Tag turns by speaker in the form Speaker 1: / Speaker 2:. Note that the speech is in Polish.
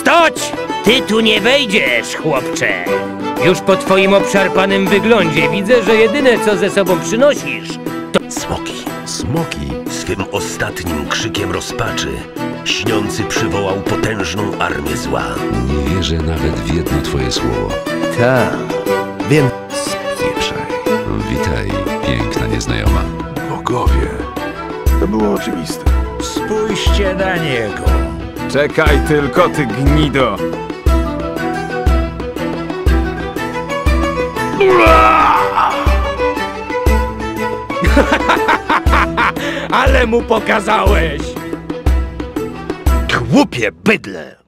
Speaker 1: Stoć! Ty tu nie wejdziesz, chłopcze. Już po twoim obszarpanym wyglądzie widzę, że jedyne co ze sobą przynosisz to...
Speaker 2: Smoki. Smoki swym ostatnim krzykiem rozpaczy śniący przywołał potężną armię zła.
Speaker 3: Nie wierzę nawet w jedno twoje słowo.
Speaker 2: Tak, więc spieprzaj.
Speaker 3: Witaj, piękna nieznajoma.
Speaker 4: Bogowie. To było oczywiste.
Speaker 1: Spójrzcie na niego.
Speaker 4: Czekaj tylko, ty gnido!
Speaker 1: Ale mu pokazałeś!
Speaker 2: Głupie bydle!